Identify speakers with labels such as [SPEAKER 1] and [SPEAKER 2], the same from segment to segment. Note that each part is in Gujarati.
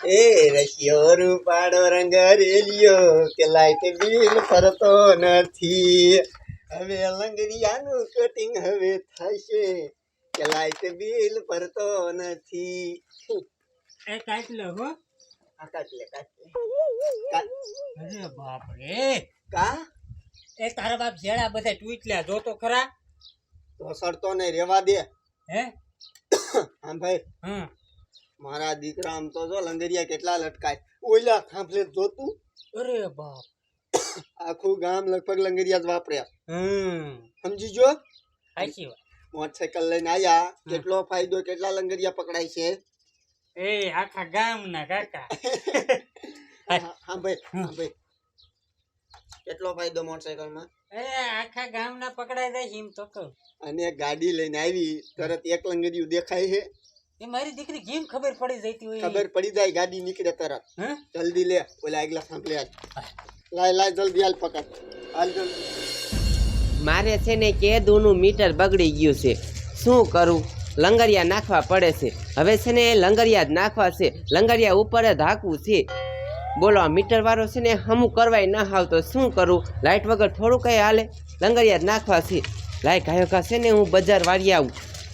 [SPEAKER 1] એ રશિયો રૂપાળો રંગ રેલિયો કે લાઈટ બિલ ફરતો નથી. હવે લંગરિયાનું કટિંગ હવે થશે કે લાઈટ બિલ ફરતો નથી.
[SPEAKER 2] એ કાટ લો હો.
[SPEAKER 1] આ કાટ લે.
[SPEAKER 2] અરે બાપ રે.
[SPEAKER 1] કા
[SPEAKER 2] એ તારા બાપ જેડા બધા ટ્વીટલ્યા જો તો ખરા.
[SPEAKER 1] તો સરતો ને રેવા દે.
[SPEAKER 2] હે
[SPEAKER 1] હા ભાઈ,
[SPEAKER 2] હા
[SPEAKER 1] મારા દીકરા આમ તો જો લંગરિયા કેટલા લટકાય. ઓલા થાંભલે જોતું.
[SPEAKER 2] અરે બાપ.
[SPEAKER 1] આખું ગામ લગભગ લંગરિયા જ વાપર્યા. સમજી જો.
[SPEAKER 2] સાચી વાત.
[SPEAKER 1] મોટરસાયકલ લઈને આયા, કેટલો ફાયદો, કેટલા લંગરિયા પકડાય છે.
[SPEAKER 2] એ આખા ગામના કાકા.
[SPEAKER 1] હા ભાઈ, કેટલો ફાયદો મોટરસાયકલમાં.
[SPEAKER 2] એ આખા ગામના પકડાઈ જાય છે એમ તો કહું.
[SPEAKER 1] અને ગાડી લઈને આવી તરત એક લંગરિયું દેખાય છે.
[SPEAKER 2] એ મારી દીકરી કેમ ખબર પડી જતી હોય.
[SPEAKER 1] ખબર પડી જાય, ગાડી નીકળે તરત.
[SPEAKER 2] હે
[SPEAKER 1] જલ્દી લે, ઓલા આગલા સાંભળે. લાય જલ્દી હાલ પકડ. હાલ જલ્દી.
[SPEAKER 3] મારે છે ને કેદુનું મીટર બગડી ગયું છે, શું કરું? લંગરિયા નાખવા પડે છે. હવે છે ને લંગરિયા જ નાખવા છે, લંગરિયા ઉપર જ હાંકવું છે. બોલો, આ મીટર વાળો છે ને હમું કરવાય ના આવતો, શું કરું? લાઇટ વગર થોડું કંઈ હાલે, લંગરિયા જ નાખવા છે. લાય ગાયો કા છે ને હું બજાર વાળી આવું.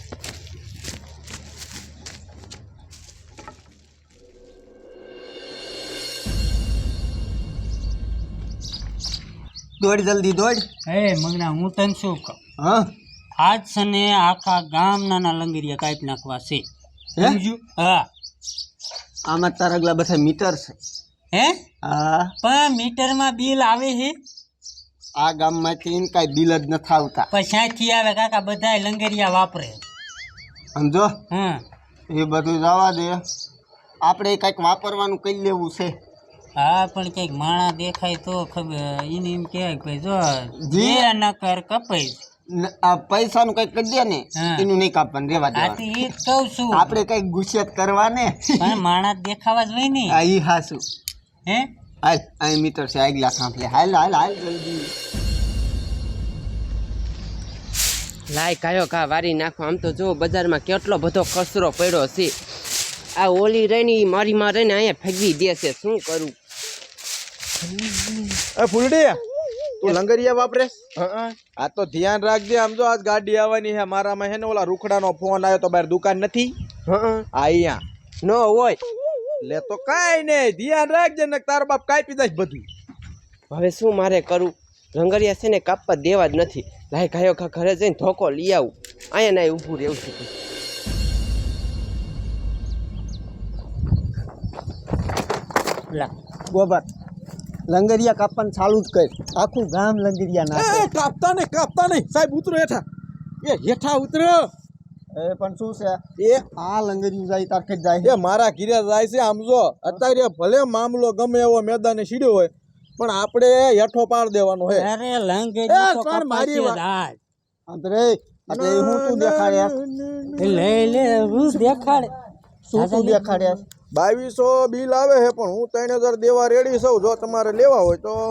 [SPEAKER 1] દોડ જલ્દી દોડ.
[SPEAKER 2] એ મગના હું તને શું કહું,
[SPEAKER 1] હા
[SPEAKER 2] આજ છે ને આખા ગામના લંગરિયા કાઢી નાખવા છે. સમજ્યું? હા.
[SPEAKER 1] આમાં તારા આગલા બધા મીટર છે.
[SPEAKER 2] હે
[SPEAKER 1] હા,
[SPEAKER 2] પણ મીટરમાં બિલ આવે છે.
[SPEAKER 1] આ ગામમાંથી કાંઈ બિલ જ નથી આવતા.
[SPEAKER 2] પણ ક્યાંથી આવે કાકા? બધા લંગરિયા વાપરે.
[SPEAKER 1] સમજો,
[SPEAKER 2] હા
[SPEAKER 1] એ બધું જવા દે. આપણે કંઈક વાપરવાનું કહી લેવું છે.
[SPEAKER 2] હા, પણ કઈક માણા દેખાય તો ખબર. એને એમ કહેવાય કે ભાઈ જો
[SPEAKER 1] જી.
[SPEAKER 2] જે નકર કપાઈ.
[SPEAKER 1] આ પૈસાનું કંઈક કરી દે ને,
[SPEAKER 2] હા.
[SPEAKER 1] એનું નહીં કાપવાનું, રેવા દે.
[SPEAKER 2] આથી એ જ કહું છું.
[SPEAKER 1] આપણે કંઈક ગુસ્સેત કરવા ને.
[SPEAKER 2] પણ માણા દેખાવા જ હોય ને.
[SPEAKER 1] આ ઈ હાસું.
[SPEAKER 2] હે
[SPEAKER 1] હાલ, અહીં મીટર છે આગલા સાંભળે. હાલ હાલ હાલ જલ્દી.
[SPEAKER 3] લાય ગાયો કા વારી નાખો. આમ તો જો બજારમાં કેટલો બધો કચરો પડ્યો છે. આ ઓલી રહીને મારીમાં રહીને અહીંયા ફેંકવી દે છે, શું કરું?
[SPEAKER 4] એ ફૂલડી, તું લંગરિયા વાપરે? આ તો ધ્યાન રાખજે. આમ જો આજ ગાડી આવવાની છે મારામાં, હે ને ઓલા રૂખડાનો ફોન આવ્યો તો બહાર દુકાન નથી. અહીંયા
[SPEAKER 3] નો હોય
[SPEAKER 4] લે તો કાંઈ નહીં, ધ્યાન રાખજે ને તારો બાપ કાપી દઈશ બધું.
[SPEAKER 3] હવે શું મારે કરું? લંગરિયા છે ને કાપવા દેવા જ નથી. લાય ગાયો ખા ઘરે જઈને ધોકો લઈ આવું. અહીંયા ના ઊભું રહેવું છે.
[SPEAKER 1] ગોબર, લંગરિયા કાપવાનું ચાલુ જ કર. આખું ગામ લંગરિયા નાખે.
[SPEAKER 4] કાપતા નહીં સાહેબ, ઉતરો હેઠા. એ હેઠા ઉતરો.
[SPEAKER 1] એ પણ શું છે,
[SPEAKER 4] એ
[SPEAKER 1] આ લંગરિયું જાય તારખે જ જાય.
[SPEAKER 4] એ મારા ઘીરે જાય છે. આમ જો અત્યારે ભલે મામલો ગમે એવો મેદાને સીડ્યો હોય, પણ આપણે હેઠો પાડ દેવાનો હોય.
[SPEAKER 2] અરે લંગરિયું તો
[SPEAKER 4] મારી
[SPEAKER 2] કપાઈ જાય.
[SPEAKER 1] અંતરે એટલે હું તું દેખાડ્યા?
[SPEAKER 2] લે હું દેખાડે.
[SPEAKER 1] શું તું દેખાડ્યા?
[SPEAKER 4] 2200 બિલ આવે છે, પણ હું 3000 દેવા રેડી છું. જો તમારે લેવા હોય તો.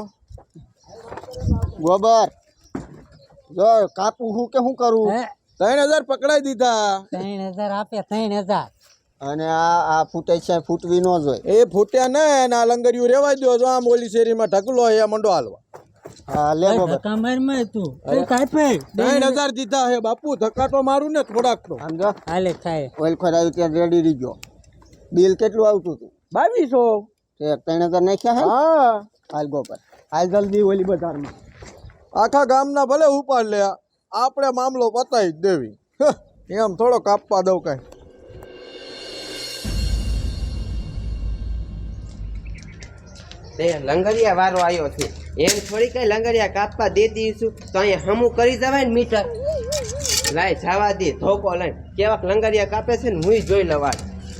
[SPEAKER 1] ગોબર, જો કાપું હું કે શું કરું?
[SPEAKER 4] 3000 પકડાઈ દીધા.
[SPEAKER 2] 3000 આપે. 3000
[SPEAKER 1] અને આ ફૂટે છે, ફૂટવી ન જોઈએ.
[SPEAKER 4] એ ફૂટ્યા ને આ લંગરિયું રેવા દો. જો આમ ઓલી શેરીમાં ઢગલો એ મંડો હાલવા.
[SPEAKER 1] હા લે ગોબર.
[SPEAKER 2] કમરમાં તું કાપે.
[SPEAKER 4] 3000 દીધા હે બાપુ. ધક્કા તો મારું ને થોડાક તો.
[SPEAKER 1] સમજો,
[SPEAKER 2] હાલે ખાય.
[SPEAKER 1] ઓઇલ ખોરાયું ત્યાં રેડી રહી ગયો. બિલ કેટલું આવતું હતું?
[SPEAKER 4] 2200.
[SPEAKER 1] 3000 નાખ્યા હે?
[SPEAKER 4] હા,
[SPEAKER 1] હાલ ગોબર, હાલ જલ્દી ઓલી બજારમાં.
[SPEAKER 4] આખા ગામના ભલે ઉપાડ લે, આપણે મામલો પતાવી જ દેવી. એમ થોડો કાપવા દઉં કાંઈ.
[SPEAKER 3] લંગરિયા વારો આવ્યો છે, એમ થોડી કઈ લંગરિયા કાપવા દે દઈશું તો અહીંયા હમું કરી જવાય ને મીટર. લાય જવા દે, ધોકો લઈને કેવાક લંગરિયા કાપે છે ને હું જોઈ લવા.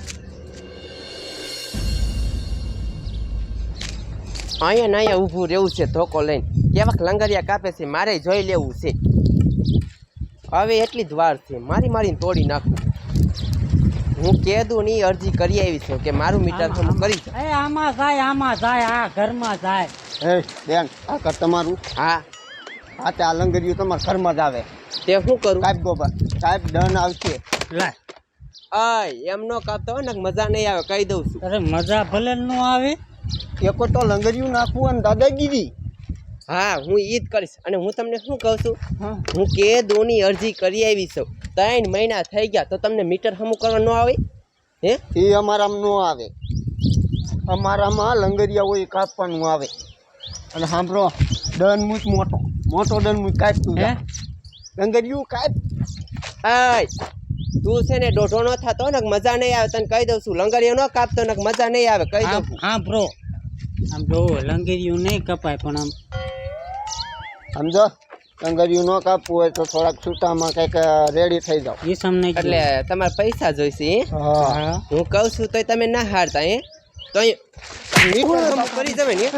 [SPEAKER 3] અહીંયા ને અહીંયા ઊભું રહેવું છે ધોકો લઈને. કેવાક લંગરિયા કાપે છે મારે જોઈ લેવું છે. હવે એટલી જ વાર છે, મારીને તોડી નાખું. હું કહેદું ની અરજી કરી આવી છું કે મારું મીટર હમું કરી છે.
[SPEAKER 2] એ આમાં જાય આ ઘરમાં જાય.
[SPEAKER 1] હે બેન, આ કર તમારું.
[SPEAKER 3] હા
[SPEAKER 1] હા, તે આ લંગરિયું તમારા ઘરમાં જ આવે.
[SPEAKER 3] તે શું કરું?
[SPEAKER 1] સાહેબ ગોબર, સાહેબ દંડ આવશે.
[SPEAKER 2] લાય
[SPEAKER 3] આય એમ નો કાપતો હોય ને મજા નહીં આવે કહી દઉં છું.
[SPEAKER 2] અરે મજા ભલે ન આવે.
[SPEAKER 1] એકો તો લંગરિયું નાખવું અને દાદાગીરી.
[SPEAKER 3] હા હું ઈ જ કરીશ. અને હું તમને શું કહું છું,
[SPEAKER 2] હા.
[SPEAKER 3] હું કેદુની અરજી કરી આવી છું. 3 મહિના થઈ ગયા તો તમને મીટર હમું કરવા ન આવે? હે
[SPEAKER 1] એ અમારામાં ન આવે. અમારામાં લંગરિયા હોય એ કાપવાનું આવે. અને સાંભળો, દનમૂચ મોટો દનમૂચ કાપતું
[SPEAKER 2] હે?
[SPEAKER 1] જા. લંગરિયું કાપ.
[SPEAKER 3] આય તું છે ને દોઢો નો થતો ને મજા નહીં આવે તને કહી દઉં છું. લંગરિયો ન કાપતો ને મજા નહીં આવે કહી દઉં છું.
[SPEAKER 2] હા બ્રો, આમ જો લંગેરિયું નહીં કપાય પણ આમ
[SPEAKER 1] સમજો, લંગરિયું ન કાપવું હોય તો થોડાક છૂટામાં કંઈક રેડી થઈ જાઓ.
[SPEAKER 2] એ સમને
[SPEAKER 3] એટલે તમારે પૈસા જોઈશે હે?
[SPEAKER 1] હા.
[SPEAKER 3] હું કહું છું તોય તમે ના હારતા હે તો મીટર હમું કરી જમે ને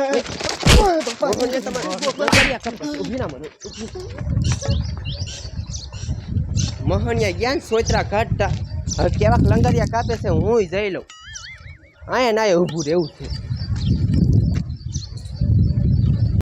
[SPEAKER 3] મોહનિયા જ્ઞાન સોચરા કાઢતા હવે કેવાક લંગરિયા કાપે છે હું જઈ લઉં. આયા ના ઊભું રહેવું છે.